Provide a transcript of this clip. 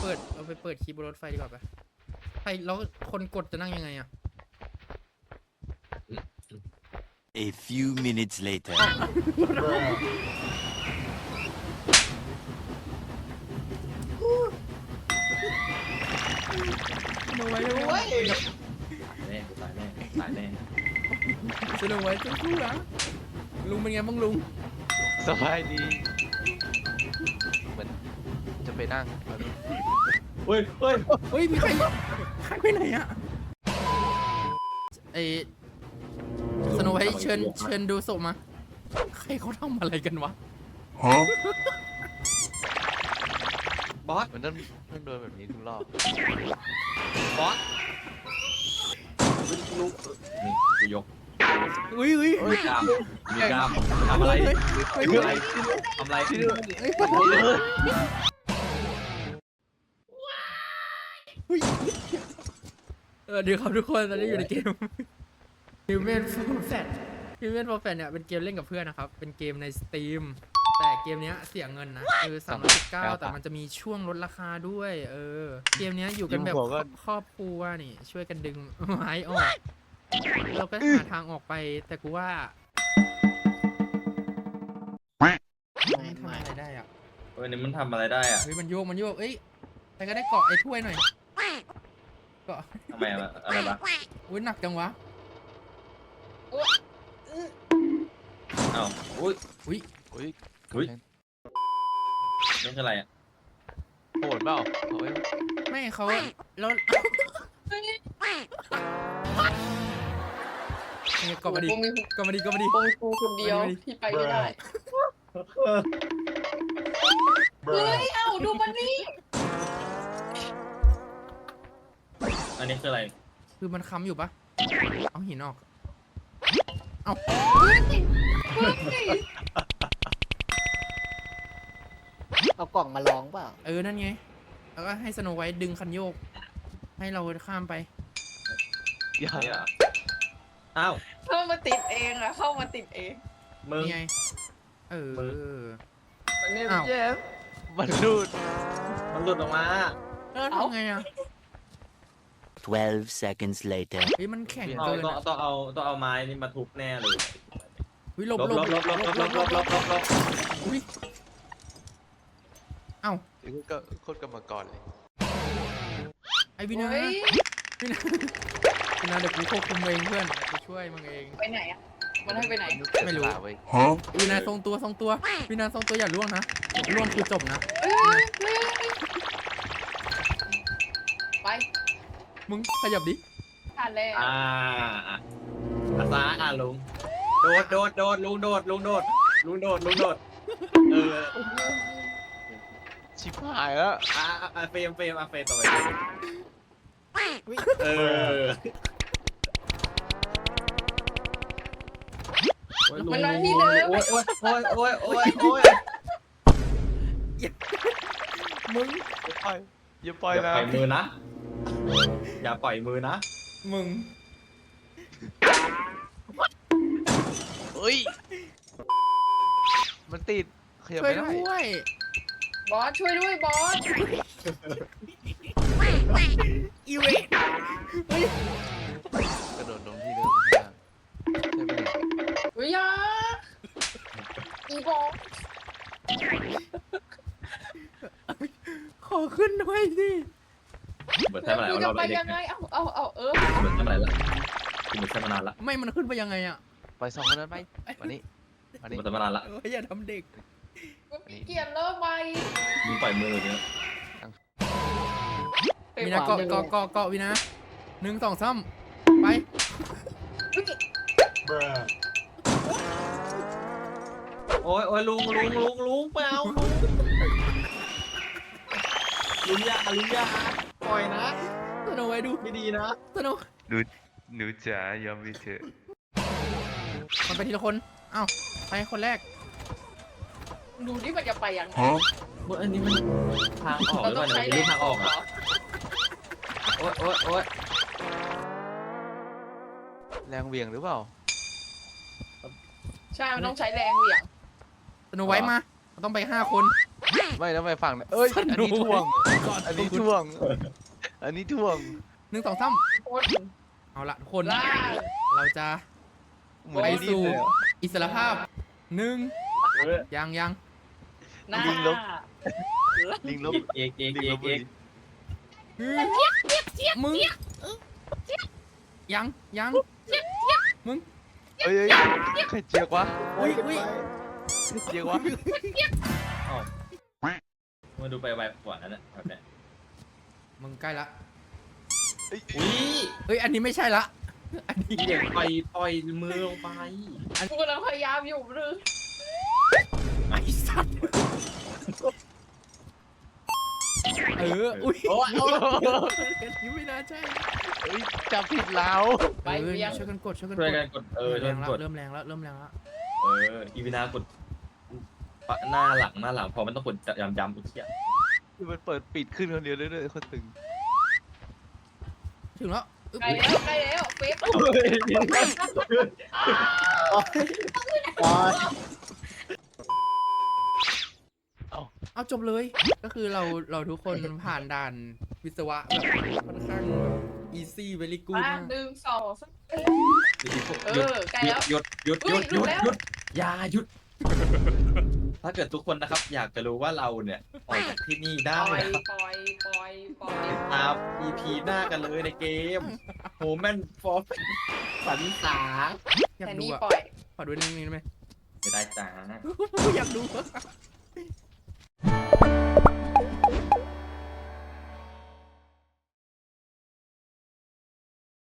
ไปเปิดคีย์บนรถไฟดีกว่าปะใครแล้วคนกดจะนั่งยังไงอะ A few minutes later. ดูไว้ดูไว้แน่กูตายแน่ตายแน่สนุกไว้สู้ๆนะลุงเป็นไงบ้างลุงสบายดีเหมือนจะไปนั่งเฮ้ยเฮ้ยเฮ้ยมีใครไปไหนอะไอสนุกไว้เชิญดูศพมาใครเขาทำอะไรกันวะบอสมันต้องโดนแบบนี้ทุกรอบบอสลูกนี่กูยกอุ้ยมีกล้ามมีกล้ามทำอะไรทำอะไรทำอะไรเดี๋ยวครับทุกคนตอนนี้อยู่ในเกม Human for Fat Human for Fat เนี่ยเป็นเกมเล่นกับเพื่อนนะครับเป็นเกมใน Steam แต่เกมเนี้ยเสียเงินนะ319แต่มันจะมีช่วงลดราคาด้วยเกมเนี้ยอยู่กันแบบครอบครัวนี่ช่วยกันดึงไม้ออกเราก็หาทางออกไปแต่กูว่ามันทำอะไรได้อ่ะเฮ้ยนี่มันทำอะไรได้อะเฮ้ยมันโยกเอ้ยใครก็ได้เกาะไอ้ถ้วยหน่อยเกาะทำไมอะอะไรวะอุ้ยหนักจังวะอ้าวอุ้ยอุ้ยอุ้ยอุ้ยนี่คืออะไรอะโหดเปล่าเอาไว้ไม่เขาแล้วเกาะมาดิกูมีเกาะมาดิกูคนเดียวที่ไปไม่ได้เฮ้ยเอ้าดูมันนี่อันนี้คืออะไรคือมันค้ำอยู่ปะเอาหินออก เอาเฮ้ยเอากล่องมาลองเปล่านั่นไง แล้วก็ให้สโนไวท์ดึงคันโยก ให้เราข้ามไปอย่าเนี่ยอ้าวเข้ามาติดเองอะเข้ามาติดเองมึงนี่ไงมันนี่อ้าวเจ็บมันรูดมันหลุดออกมาแล้วทำไงอ่ะ 12 seconds later. เฮ้ยมันแข็งต้องเกินต้องอะต้องเอาไม้นี่มาทุบแน่เลยเฮ้ยหลบลบลบลบลบลบลบลบลบลบอุ้ยเอ้านี่ก็โคตรกรรมกรเลยไอวินาเฮ้ยวินาเดี๋ยวกูควบคุมเองเพื่อนกูช่วยมึงเองไปไหนอะมันให้ไปไหนไม่รู้เว้ยวินาทรงตัววินาทรงตัวอย่าล่วงนะล่วงคือจบนะเฮ้ยไปมึงขยับดิผ่านแล้วอาซาลุงโดดลุงโดดลุงโดดลุงโดดลุงโดดเออชิบหายแล้วเฟรมต่อไปเออมันมาที่เดิมโอ้ยมึงอย่าปล่อยอย่านะปล่อยมือนะอย่าปล่อยมือนะมึงเฮ้ยมันติดขยับช่วยไม่ได้ด้วยบอสช่วยด้วยบอสอีเวนเฮ้ยกระโดดลงที่เดิมข้างล่างใช่ไหมเนี่ยเฮ้ยอยาอีบอสขอขึ้นด้วยสิเหมือนใช่มาหลายกูรจะอบไปแล้วเด็ยักงไงเอาเออเหมือนใช่มาหลายละเหมือนใช่มานานละไม่มันขึ้นไปยังไงอ่ะปล่อยสองคนนั้นไปวันนี้วันเหนี้มือนใช่มานานละอย่าทำเด็กมันมีเกียร์เริ่มไปมึงปล่อยมือเนี่ยวินาเกาะวินา1 2 3ไปโอ้ยลุงเปล่าลุงยาปล่อยนะสโนไว้ดูไม่ดีนะสโนหนูจ๋ายอมไปเถอะมันไปทีละคนเอ้าไปคนแรกดูนี่มันจะไปยังไงอันนี้มันทางออกหเรารือเปต้อล่าง เนี่ยใช้มันแรไม่งรู้ทางออกอ่ะโอ๊ยแรงเหวี่ยงหรือเปล่าใช่มันต้องใช้แรงเหวี่ยงสโนไว้มาต้องไป5 คนไม่แล้วไม่ฟังนะเอ้ยสนุกอันนี้ท่วงก่อนอันนี้ท่วง อันนี้ท่วงหนึ่งสองสามคนเอาละทุกคนล่าเราจะเหมือนไปไอ้นี่สู่เลยอะอิสรภาพหนึ่งเออยังหน้าลิงลบ ลิงลบเอกเอกลิงเอลกบเอกมึงยังมึงเอ้ยใครเจียกวะอุ้ยใครเจียกวะมาดูไปไวกว่านั้นนะแบบเนี้ยมึงใกล้ละอุ้ยเอ้ยอันนี้ไม่ใช่ละอันนี้เด็กปล่อยมือลงไปกูกำลังพยายามอยู่หรือไอ้สัตว์อุ้ยโอ้ยอันนี้ไม่น่าใช่เอ้ยจับผิดเราไปเออเวียงช่วยกันกดช่วยกันช่วยกกัดนกดช่เริ่วยมกันแรงกดแล้วเริ่มแรงแล้วเริ่มแรงแล้วอีวินากดหน้าหลังพอมันต้องกดย้ำอีกทีคือมันเปิดปิดขึ้นคนเดียวเรื่อยๆคนตึงถึงแล้วอึ๊บใกล้แล้วเฟซอ๋อเอาจบเลย ก็คือเราทุกคนผ่านด่านวิศวะแบบค่อนข้างแบบ easy very good มามากหนึ่งสองสาม ใกล้แล้วหยุดอุ๊ยหยุดแล้วอย่าหยุด ถ้าเกิดทุกคนนะครับ อยากจะรู้ว่าเราเนี่ยออกจากที่นี่ได้ปล่อยนะครับปล่อยปล่อยปล่อยติดตาม EP หน้ากันเลยในเกมโฮแมนฟอร์สันสาอยากแต่ดูนี่อ่ะปล่อยขอดูนิดนึงได้ไหมไม่ได้จ้าอยากดู